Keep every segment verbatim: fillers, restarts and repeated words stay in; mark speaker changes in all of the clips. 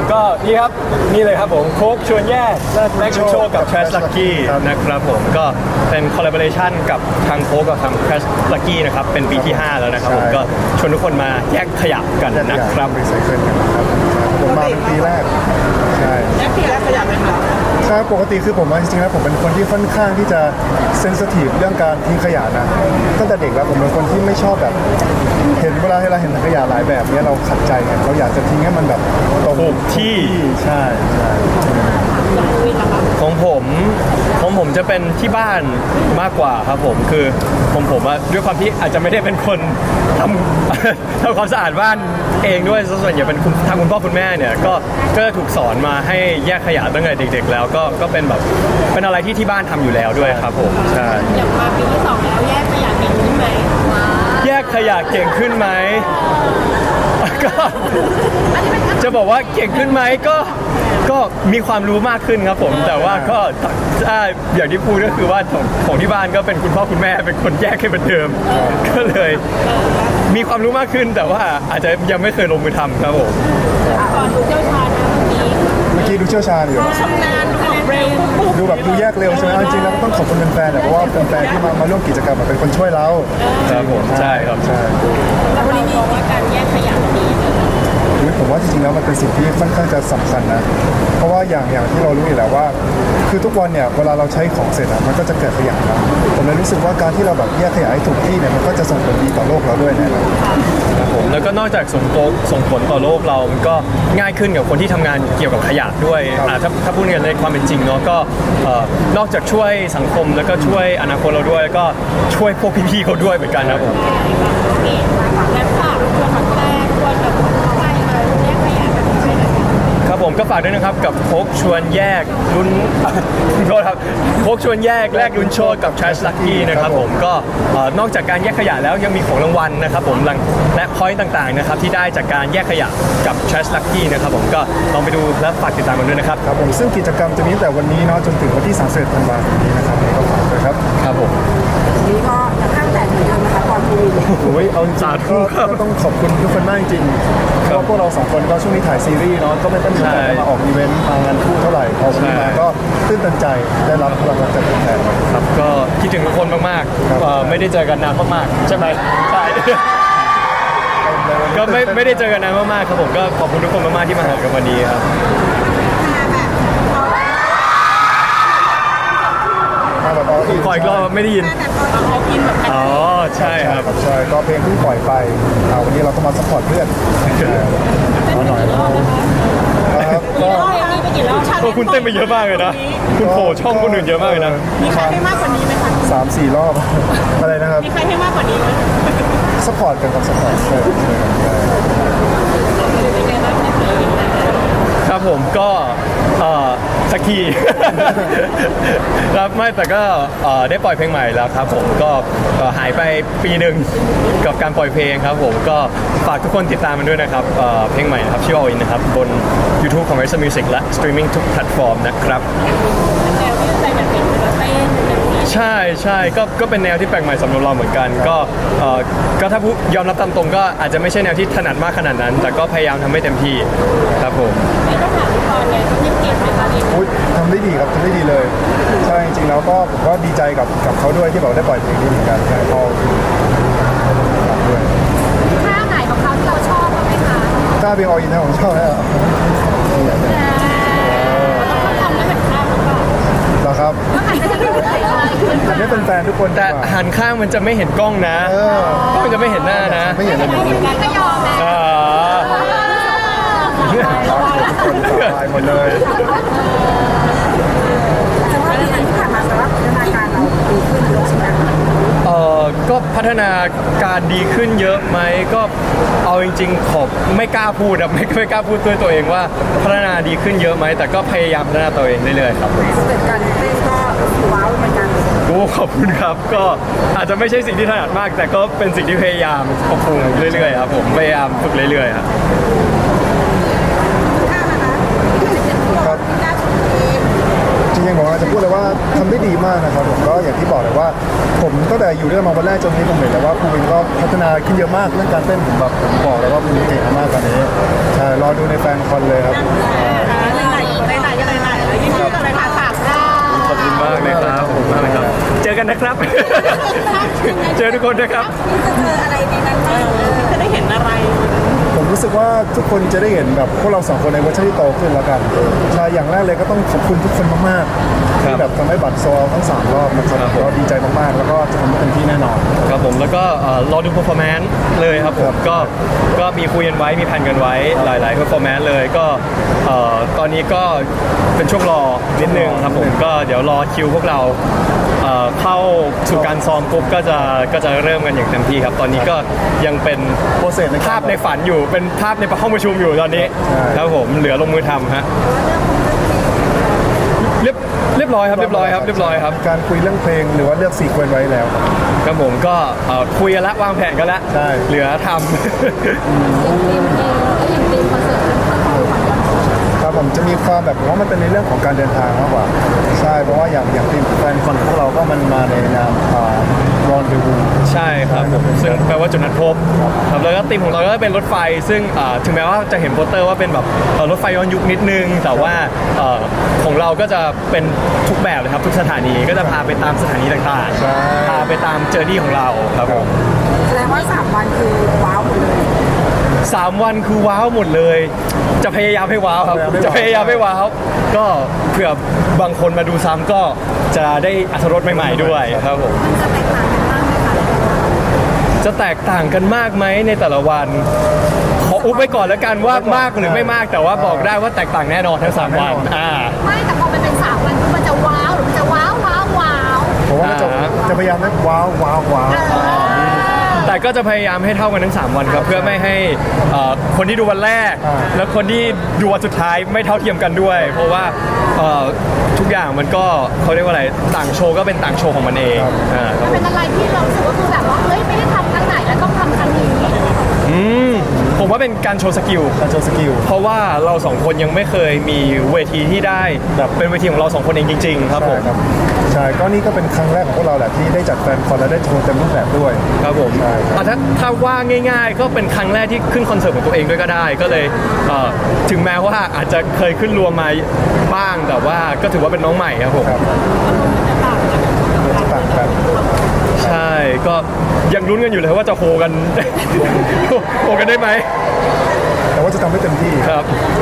Speaker 1: ก็นี่ครับนี่เลยครับผมโค้กชวนแยกแลกคุณโชคกับ Trash Lucky นะครับผมก็เป็นคอลลาบอร์เ t ชันกับทางโค้กกับทาง Trash Lucky นะครับเป็นปีที่ห้าแล้วนะครับผมก็ชวนทุกคนมาแยกขยะกันนะครับ
Speaker 2: รีไซเคิลกันนะครับผมมาเป็นปีแรกใช่
Speaker 3: แยกแยกขยะไหมคะ
Speaker 2: ใช่ปกติคือผมว่าจริงๆแล้วผมเป็นคนที่ค่อนข้างที่จะเซนซิทีฟเรื่องการทิ้งขยะนะตั้งแต่เด็กแล้วผมเป็นคนที่ไม่ชอบแบบเห็นเวลาที่เราเห็นถังขยะหลายแบบเนี้ยเราขัดใจไงเราอยากจะทิ้งให้มันแบบตรง
Speaker 1: ถูกที่
Speaker 2: ใช่ใช่
Speaker 1: ของผมของผมจะเป็นที่บ้านมากกว่าครับผมคือผมผมว่าด้วยความที่อาจจะไม่ได้เป็นคนทำ ทำความสะอาดบ้านเองด้วยส่วนใหญ่เป็นคุณทางคุณพ่อคุณแม่เนี่ยก็ก็ถูกสอนมาให้แยกขยะตั้งแต่เด็ก ๆ แล้วก็ก็เป็นแบบเป็นอะไรที่ที่บ้านทำอยู่แล้วด้วยครับผมใช่
Speaker 3: อย่างมาปีที่สองแล้วแยกขยะเก่งขึ้นไหม
Speaker 1: แยกขยะเก่งขึ้นไหมก็จะบอกว่าเก่งขึ้นไหมก็ก็มีความรู้มากขึ้นครับผมแต่ว่าก็ถ้าอย่างที่พูดก็คือว่าของของที่บ้านก็เป็นคุณพ่อคุณแม่เป็นคนแยกให้เหมือนเดิมก็เลยมีความรู้มากขึ้นแต่ว่าอาจจะยังไม่เคยลงมือทำครับผม
Speaker 3: ก่อนดูเจ้าชาญนะเมื่อกี้
Speaker 2: เมื่อกี้ดูเชี่ยวชาญอยู่
Speaker 3: ชำนาญดูเร็ว
Speaker 2: ดูแบบดูแยกเร็วใช่ไหมเอาจริงๆแล้วก็ต้องขอบคุณแฟนๆเนี่ยเพราะว่าแฟนๆที่มามาร่วมกิจกรรมอะเป็นคนช่วยเรา
Speaker 1: ครับผมใช่ครับ
Speaker 2: ใช่
Speaker 3: แล้ววันนี้มองว่าการแยกขยะดี
Speaker 2: อุ๊ยผมว่าจริงๆแล้วมันเป็นสิ่งที่ค่อนข้างจะสำคัญนะ เพราะว่าอย่างอย่างที่เรารู้อยู่แล้วว่า คือทุกวันเนี่ยเวลาเราใช้ของเสร็จอะมันก็จะเกิดขยะนะผมเลยรู้สึกว่าการที่เราแบบแยกขยะให้ถูกที่เนี่ยมันก็จะส่งผลดีต่อโลกเราด้วยนะครับ
Speaker 1: ครับผมแล้วก็นอกจากส่งโตส่งผลต่อโลกเรา มันก็ง่ายขึ้นกับคนที่ทำงานเกี่ยวกับขยะด้วยอ่าถ้าถ้าพูดกันในความเป็นจริงเนาะก็เอ่อนอกจากช่วยสังคมแล้วก็ช่วยอนาคตเราด้วยแล้วก็ช่วยพวกพี่ๆเขาด้วยเหมือนกันครับผม
Speaker 3: นี่แล้วฝากตัวฝากแรกตัวแบบใครมาแยกขยะแบบนี้ด้วยนะคะ
Speaker 1: ครับผมก็ฝากด้วยนะครับกับโค้กชวนแยกลุ้น โทษครับโค้กชวนแยกแลกลุ้นโชคกับ Trash Lucky นะครับผมก็เอ่อนอกจากการแยกขยะแล้วยังมีของรางวัลนะครับผมและพอยต์ต่างๆนะครับที่ได้จากการแยกขยะกับ Trash Lucky นะครับผมก็ลองไปดูและฝากติดตามกันด้วยนะครับ
Speaker 2: ครับผมซึ่งกิจกรรมจะมีตั้งแต่วันนี้เนาะจนถึงวันที่สามสิบเอ็ดธันวาคมนี้นะครับก็ฝากด้วยครับ
Speaker 1: ครับผม
Speaker 3: นี่ก็จะข้างแต่เหมือนกันนะคะก่อนคุย
Speaker 2: โอ้ยเอาจริง
Speaker 1: สา
Speaker 2: ๆ
Speaker 1: ธุ
Speaker 2: ก็
Speaker 1: ครับ
Speaker 2: ก็ต้องขอบคุณทุกคนมากจริงๆเพราะว่าพวกเราสองคนก็ช่วงนี้ถ่ายซีรีส์เนาะก็ไม่ค่อยมีโอกาสได้มาออกอีเวนต์มางานคู่เท่าไหร่พอวันนี้มาก็ตื้นตันใจได้รับพลังรักจากแฟนๆ
Speaker 1: ครับก็คิดถึงทุกคนมาก
Speaker 2: ครับ
Speaker 1: ๆเอ่อไม่ได้เจอกันนานมากๆใช่ไหมใช่ ก็ไม่ไม่ได้เจอกันนานมากๆครับผมก็ขอบคุณทุกคนมากๆที่มาหากันวันนี้ครับ
Speaker 2: มาแบบเอาอีก
Speaker 1: ขออีกรอบไม่ได้ยิน
Speaker 3: เขากินแบบ
Speaker 1: อ๋อใช่ครับ
Speaker 2: ใช่ก็เพลงเพิ่งปล่อยไปอ่าวันนี้เราก็มาซัพพอร์ตเพื่อนเอาหน่อยนะครับก็
Speaker 3: อย่างนี้ไปกี่รอบ
Speaker 1: โอ้คุณเต้นไปเยอะมากเลยนะ คุณโผล่ช่องคนอื่นเยอะมากเลยนะ
Speaker 3: มีใครให้มากกว่านี้ไหมคะ
Speaker 2: สามสี่รอบ อะไรนะครับ
Speaker 3: มีใครให้มากกว่านี้ไหม
Speaker 2: ซัพพอร์ตกันครับซัพพอร์ตใช่ใช่ใช่
Speaker 3: เป็นไงบ้างในเพลงนะคะ
Speaker 1: ครับผมก็เอ่อสักที ครับไม่แต่ก็เอ่อได้ปล่อยเพลงใหม่แล้วครับผมก็เอ่อหายไปปีหนึ่งกับการปล่อยเพลงครับผมก็ฝากทุกคนติดตามมันด้วยนะครับเอ่อเพลงใหม่นะครับชื่อ All In นะครับบน YouTube ของ Rise Music และ Streaming ทุกแพลตฟอร์มนะครับ
Speaker 3: แนวที่ใส่แบบเป็นแบบเต้นแบบนี้
Speaker 1: ใช่ใช่ก็ก็เป็นแนวที่แปลกใหม่สำหรับเราเหมือนกัน ก็เอ่อก็ถ้าพูดยอมรับตามตรงก็อาจจะไม่ใช่แนวที่ถนัดมากขนาดนั้น แต่ก็พยายามทำให้เต็มที่ครับผม
Speaker 3: ไม่ต้องถามพี่พรเนี่ยที่เก่งไหมคะนี่
Speaker 2: อุ๊ยทำได้ดีครับทำได้ดีเลย ใช่จริงๆแล้วก็ผมก็ดีใจกับกับเขาด้วยที่แบบได้ปล่อยเพลงนี้เหมือนกันใช่พอฝากด้วย
Speaker 3: ท่าไหนของเขาที่เราชอบบ้างไหมคะ
Speaker 2: ถ้าเพลงออยินนะผมชอบแล้ว
Speaker 3: ต้องทำได้แบบท่าหรือเปล่า
Speaker 2: เหรอครับ
Speaker 3: ต้องหันไปทางไหนอะไร
Speaker 2: แต่ไม่เป็นแฟนทุกคน
Speaker 1: แต่
Speaker 2: ดีกว่า
Speaker 1: หันข้างมันจะไม่เห็นกล้องนะ
Speaker 2: เออก
Speaker 1: ล้องจะไม่เห็นหน้านะ
Speaker 2: ไม่เห็นเลย
Speaker 3: ไม่เห็นกันก็ยอมนะ
Speaker 1: อ่า
Speaker 2: คนตายหมดเลย
Speaker 3: แต่ว่าที่ผ่านมาแต่ว่าพัฒนาการเราดีขึ้นเยอะใช่ไหม
Speaker 1: เอ่อก็พัฒนาการดีขึ้นเยอะไหมก็เอาจริงๆขอบไม่กล้าพูดอะ ไม่ไม่กล้าพูดด้วยตัวเองว่าพัฒนาดีขึ้นเยอะไหมแต่ก็พยายามพัฒนาตัวเองเรื่อยๆครับ
Speaker 3: สเต็ปการเต้นก็ว้าวเหมือนกัน
Speaker 1: โอ้ขอบคุณครับก็อาจจะไม่ใช่สิ่งที่ถนัดมาก แต่ก็เป็นสิ่งที่พยายามปรับปรุงเรื่อยๆครับผมพยายามฝึกเรื่อยๆครับ
Speaker 3: ท่านะคะจะเป็นพวกการฝึกเอง
Speaker 2: จริงริงๆผมอาจจะพูดเลยว่าทำได้ดีมากนะครับผมก็อย่างที่บอกเลยว่า ผมตั้งแต่อยู่ด้วยกันมาวันแรกจนวันนี้ผมเห็นแล้วว่าภูวินก็พัฒนาขึ้นเยอะมากเรื่องการเต้นผมแบบผมบอกเลยว่าภูวินเก่งมากตอนนี้ใช่รอดูในแฟนคอนเลยครับ
Speaker 3: ไหนไหนไหนไหนไหนไหนยิ่งพูดอะไรค่ะฝากได้
Speaker 1: ขอบคุณมากเลยครับขอบคุณมากเลยครับ เจอกันนะครับ เจอทุกคนนะครับ
Speaker 3: จะเจออะไรในนั้นบ้างจะได้เห็นอะไร
Speaker 2: ผมรู้สึกว่าทุกคนจะได้เห็นแบบพวกเราสองคนในเวอร์ชันที่โตขึ้นแล้วกันใช่อย่างแรกเลยก็ต้องขอบคุณทุกคนมากๆ
Speaker 1: ครั
Speaker 2: ที่
Speaker 1: บ
Speaker 2: แบบทำให้บัตรโซลทั้งสามรอบนะครับ
Speaker 1: ครับผม
Speaker 2: เราดีใจมากๆ แล้วก็จะทำให้เต็มที่แน่นอน
Speaker 1: ครับผมแล้วก็เอ่อรอดู performance เลยครับผ
Speaker 2: ครั
Speaker 1: ม
Speaker 2: บ
Speaker 1: ก็ก็มีคุยกันไว้มีแผนกันไว้หลาย ๆ performance เลยก็เอ่อตอนนี้ก็เป็นช่วงรอนิดนึงครับผมก็เดี๋ยวรอคิวพวกเราเอ่อเข้าสู่การซ้อมปุ๊บก็จะก็จะเริ่มกันอย่างเต็มที่ครับ ตอนนี้ก็ยังเป็น
Speaker 2: โปรเซสในการ
Speaker 1: ภาพในฝันอยู่เป็นภาพในห้องประชุมอยู่ตอนนี้
Speaker 2: ใช่
Speaker 1: ครับผมเหลือลงมือทำฮะเรียบเรียบร้อยครับเรียบร้อยครับเรียบร้อยครับ
Speaker 2: การคุยเรื่องเพลงหรือว่าเลือกซีเควนต์ไว้แล้วครับ
Speaker 1: ครับผมก็เอ่อคุยกันแล้ววางแผนกันแล้ว
Speaker 2: ใช่
Speaker 1: เหลือทำ
Speaker 3: อย่างทีมเพลงแล้วอย่างทีมคอนเสิร์ตเป็นคอนเสิร์ตของเรา
Speaker 2: ครับผมจะมีความแบบผมว่ามันเป็นในเรื่องของการเดินทางมากกว่าใช่เพราะว่าอย่างอย่างทีมแฟนคอนพวกเราก็มันมาในนามรอนเดวู
Speaker 1: ใช่ครับผมซึ่งแปลว่าจุดนัดพบครับแล้วก็ธีมของเราก็เป็นรถไฟ ซึ่งอ่าถึงแม้ว่าจะเห็นโปสเตอร์ว่าเป็นแบบเอ่อรถไฟย้อนยุคนิดนึง แต่ว่าเอ่อของเราก็จะเป็นทุกแบบเลยครับทุกสถานีก็จะพาไปตามสถานีต่าง
Speaker 2: ใช่
Speaker 1: ๆพาไปตามเจอร์นี่ของเราครับผม
Speaker 3: แสดงว่าสามวันคือว้าวหมดเลย
Speaker 1: สามวันคือว้าวหมดเลย จะพยายามให้ว้าวครับ จะพยายามให้ว้าว ก็เผื่อบางคนมาดูซ้ำก็จะได้อรรถรสใหม่ๆด้วยครับผม
Speaker 3: มันจะแตกต่างกันมากไหมคะ
Speaker 1: จะแตกต่างกันมากไหมในแต่ละวัน ขออุ๊บไว้ก่อนแล้วกันว่ามากหรือไม่มาก แต่ว่าบอกได้ว่าแตกต่างแน่นอนทั้งสามวันอ่า
Speaker 3: ไม่แต่พอมันเป็นสามวันคือมันจะว้าวหรือมันจะว้าวว้าวว้าว
Speaker 2: ผมว่าจะ
Speaker 1: อ่า
Speaker 2: จะพยายามให้ว้าวว้าวว้าว
Speaker 1: แต่ก็จะพยายามให้เท่ากันทั้งสามวันครับ เพื่อไม่ให้เอ่อคนที่ดูวันแรก แล้วคนที่ดูวันสุดท้ายไม่เท่าเทียมกันด้วย เพราะว่าเอ่อทุกอย่างมันก็เขาเรียกว่าอะไรต่างโชว์ก็เป็นต่างโชว์ของมันเองอ่าครับผม
Speaker 3: เป็นอะไรที่เรารู้สึกว่าคือแบบว่าเฮ้ยไม่ได้ทำครั้งไหนแล้วต้องทำครั้งนี้
Speaker 1: อืมผมว่าเป็นการโชว์สกิล
Speaker 2: การโชว์สกิล
Speaker 1: เพราะว่าเราสองคนยังไม่เคยมีเวทีที่ได้แบบเป็นเวทีของเราสองคนเองจริง ๆ ครับผม
Speaker 2: ใช่ครับใช่ก็นี่ก็เป็นครั้งแรกของพวกเราแหละที่ได้จัดแฟนคอนและได้โชว์เต็มรูปแบบด้วย
Speaker 1: ครับผม
Speaker 2: ใช่ครับ
Speaker 1: อ่ะถ้าถ้าว่าง่าย ๆ ก็เป็นครั้งแรกที่ขึ้นคอนเสิร์ตของตัวเองด้วยก็ได้ ก็เลยเอ่อถึงแม้ว่าอาจจะเคยขึ้นรวมมาบ้าง แต่ว่าก็ถือว่าเป็นน้องใหม่ครับผม
Speaker 2: ครับจะต่างกัน
Speaker 1: ใช่ก็ยังลุ้นกันอยู่เลยว่าจะโฮกัน โฮกันได้ไหม
Speaker 2: แต่ว่าจะทำให้เต็มที่
Speaker 1: ครับ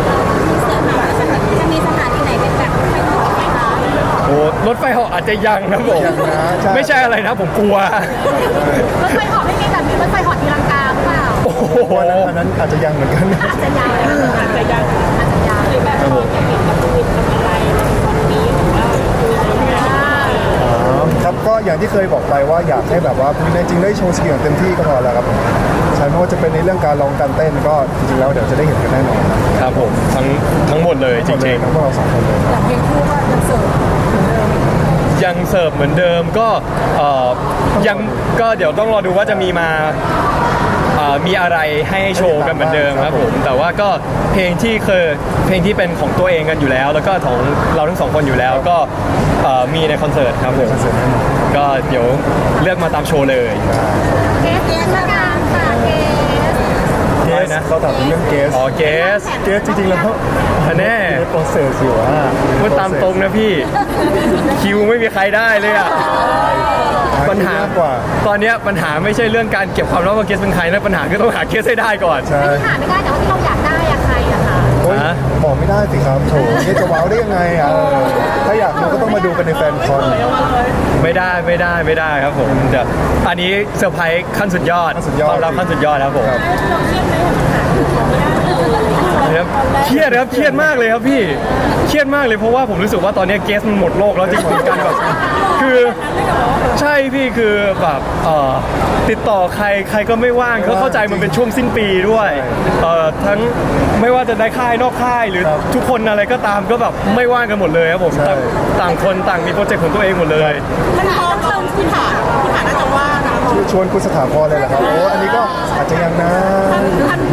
Speaker 3: จะมีสถานที่ไหนเป็นแบบไม่ต้องไปคะ
Speaker 1: โอ้รถไฟเหาะอาจจะยังครับผม
Speaker 2: ยังนะใช่
Speaker 1: ไม่ใช่อะไรนะผมกลัว
Speaker 3: รถไฟเหาะไม่มีแบบนี้รถไฟเหาะทีลังกาหรือเปล่า
Speaker 1: โอ้โห
Speaker 2: เพราะอันนั้นอันนั้นอาจจะยังเหมือนกัน
Speaker 3: อาจจะยาวอาจจะยาวอาจจะยาวหรือแบบพอจะเห็นกับวินทำอะไรวันนี้หรือว่าคืออะไร
Speaker 2: ครับก็อย่างที่เคยบอกไปว่าอยากให้แบบว่าในจริงได้โชว์สกิลอย่างเต็มที่ก็พอแล้วครับใช่ไม่ว่าจะเป็นในเรื่องการร้องการเต้นก็จริงๆแล้วเดี๋ยวจะได้เห็นกันแน่นอน
Speaker 1: ครับผมทั้งทั้งหมดเลยจริง
Speaker 2: ทั้งพวกเราสองคนเลย
Speaker 3: อย่างเพลงคู่ก็ยังเสิร์ฟ
Speaker 1: ๆ ยังเสิร์ฟเหมือนเดิมก็เอ่อยังก็เดี๋ยวต้องรอดูว่าจะมีมาเอ่อมีอะไรให้โชว์กันเหมือนเดิมครับผมแต่ว่าก็เพลงที่เคยเพลงที่เป็นของตัวเองกันอยู่แล้ว แล้วก็ของเราทั้งสองคนอยู่แล้วก็เอ่อมีในคอนเสิร์ตครับผม
Speaker 2: คอนเสิร์ตแน่นอน
Speaker 1: ก็เดี๋ยวเลือกมาตามโชว์เลย
Speaker 3: เกสเกสละกันค่ะเกส
Speaker 2: เก
Speaker 1: อะไร
Speaker 2: ส
Speaker 1: นะ
Speaker 2: เขาถามถึงเรื่องเกส
Speaker 1: อ๋อเกส
Speaker 2: เกสจริงๆแล้ว
Speaker 1: แน่
Speaker 2: ในโปรเซสอยู่อ่ะ
Speaker 1: พูดตามตรงนะพี่ คิวไม่มีใครได้เลยอะปัญหา
Speaker 2: มากกว่า
Speaker 1: ตอนเนี้ยปัญหาไม่ใช่เรื่องการเก็บความลับว่าเกสเป็นใครนะปัญหาคือต้องหาเกสให้ได้ก่อน
Speaker 2: ใช่
Speaker 3: หาไม่ได้แต่ว่าที่เราอยากได้อะใครอะคะ
Speaker 2: โอ้ย
Speaker 1: ฮะ
Speaker 2: บอกไม่ได้สิครับโถเกสจะว้าวได้ยังไงอ่ะเออถ้าอยากดูก็ต้องมาดูกันในแฟนคอน
Speaker 1: ไม่ได้ไม่ได้ไม่ได้ครับผมเดี๋ยวอันนี้เซอร์ไพรส์ขั้นสุดยอด
Speaker 2: ขั้นสุดยอด
Speaker 1: ความลับขั้นสุดยอดครับผม
Speaker 2: ครับ
Speaker 3: เราเครียดไหมหาไม่ได้
Speaker 1: ครับเครียดครับเครียดมากเลยครับพี่เครียดมากเลยเพราะว่าผมรู้สึกว่าตอนนี้เกสมันหมดโลกแล้วจริงๆกันแบบคือใช่พี่คือแบบเอ่อติดต่อใครใครก็ไม่ว่างเขาเข้าใจมันเป็นช่วงสิ้นปีด้วยเอ่อทั้งไม่ว่าจะในค่ายนอกค่ายหรือ
Speaker 2: ครับ
Speaker 1: ทุกคนอะไรก็ตามก็แบบไม่ว่างกันหมดเลยครับผม
Speaker 2: ใช่
Speaker 1: ต่างต่างคนต่างมีโปรเจกต์ของตัวเองหมดเลย
Speaker 3: ท่านพอเชิญคุณฐานคุณฐานน่าจะว่านะ
Speaker 2: ชวนคุณสถาพรเลยเหรอครับโอ้อันนี้ก็อาจจะยังนะ
Speaker 3: ท่านท่าน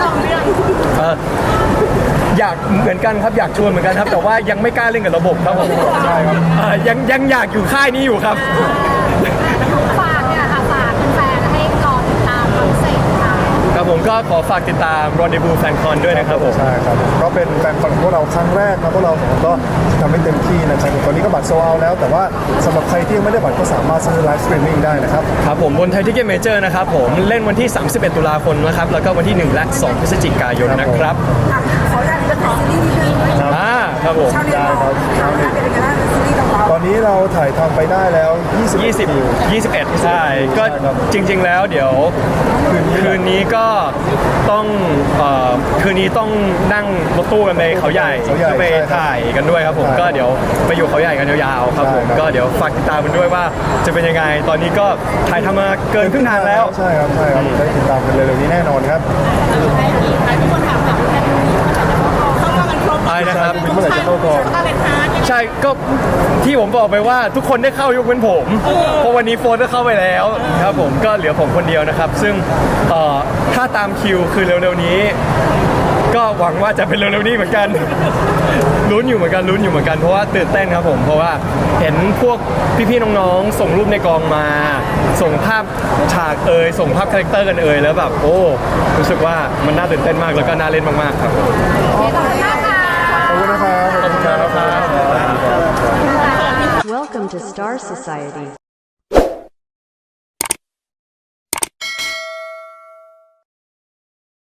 Speaker 3: ลองเรื่อง
Speaker 1: เอ่ออยากเหมือนกันครับอยากชวนเหมือนกันครับ แต่ว่ายังไม่กล้าเล่นกับระบบครับผมใช่ครับเอ่อยังยังอยากอยู่ค่ายนี้อยู่ครับ
Speaker 3: ฝากเนี่ยค่ะฝากแฟนๆให้รอติดตามคอนเสิร์ตค่ะ
Speaker 1: ครับผมก็ขอฝากติดตาม Rendezvous Fan Con ด้วยนะครับผม
Speaker 2: ใช่ครับก็เป็นแฟนคอนของพวกเราครั้งแรกนะพวกเราสองคนก็ทำให้เต็มที่นะครับตอนนี้ก็บัตรโซลเอาท์แล้ว แต่ว่าสำหรับใครที่ยังไม่ได้บัตรก็สามารถซื้อไลฟ์สตรีมมิ่งได้นะครับ
Speaker 1: ครับผมบนไทยทิเก็ตเมเจอร์นะครับผมเล่นวันที่ สามสิบเอ็ด ตุลาคมนะครับแล้วก็วันที่ หนึ่ง และ สอง พฤศจิกายนนะครับ
Speaker 4: ขออยากจะขอซีรีส์นิดนึง
Speaker 1: อ่าครับผม
Speaker 4: ชาวเน็ตบอกชาวเน็ตเป็นยังไงบ้างซีรีส์ของเรา
Speaker 2: ตอนนี้เราถ่ายทำไปได้แล้ว ยี่สิบ
Speaker 1: ยี่สิบ
Speaker 2: คิว
Speaker 1: ยี่สิบเอ็ดใช่ก็จริง ๆ แล้วเดี๋ยวคืนนี้ก็ต้องเอ่อคืนนี้ต้องนั่งรถตู้กันไปเขาใหญ่
Speaker 2: เขาใหญ่
Speaker 1: เพื่อไป
Speaker 2: ใช่ครับ
Speaker 1: ถ่ายกันด้วยครับผม
Speaker 2: ใช่
Speaker 1: ก็เดี๋ยวไปอยู่เขาใหญ่กันยาวๆครับผม
Speaker 2: ใช่ครับ
Speaker 1: ก็เดี๋ยวฝากติดตามกันด้วยว่าจะเป็นยังไงตอนนี้ก็ถ่ายทำมาเกินครึ่งทางแล้ว
Speaker 2: ใช่ครับใช่ครับได้ติดตามกันเร็วๆนี้แน่นอนครับ
Speaker 3: ให้อีกทุกคนถามแบบแฟนๆเข้ามากันครบ
Speaker 1: อะไรนะครับ
Speaker 2: เมื่อไหร่จะเข้ากอง
Speaker 3: ตาเป็นฮาร์ด
Speaker 1: ใช่ก็ที่ผมบอกไปว่าทุกคนได้เข้ายกเว้นผมเพราะวันนี้โฟนก็เข้าไปแล้วครับผมก็เหลือผมคนเดียวนะครับ ซึ่งเอ่อถ้าตามคิวคือเร็วๆนี้ ก็หวังว่าจะเป็นเร็วๆนี้เหมือนกัน ลุ้นอยู่เหมือนกันลุ้นอยู่เหมือนกันเพราะว่าตื่นเต้นครับผมเพราะว่าเห็นพวกพี่ๆน้องๆส่งรูปในกองมา ส่งภาพฉากเอยส่งภาพคาแรคเตอร์กันเอยแล้วแบบโอ้รู้สึกว่ามันน่าตื่นเต้นมากแล้วก็น่าเล่นมากๆครับ
Speaker 3: ขอบคุณมากค่ะ
Speaker 2: ขอบคุณนะครับ
Speaker 1: ขอบคุณครับ
Speaker 5: Welcome to Star Society.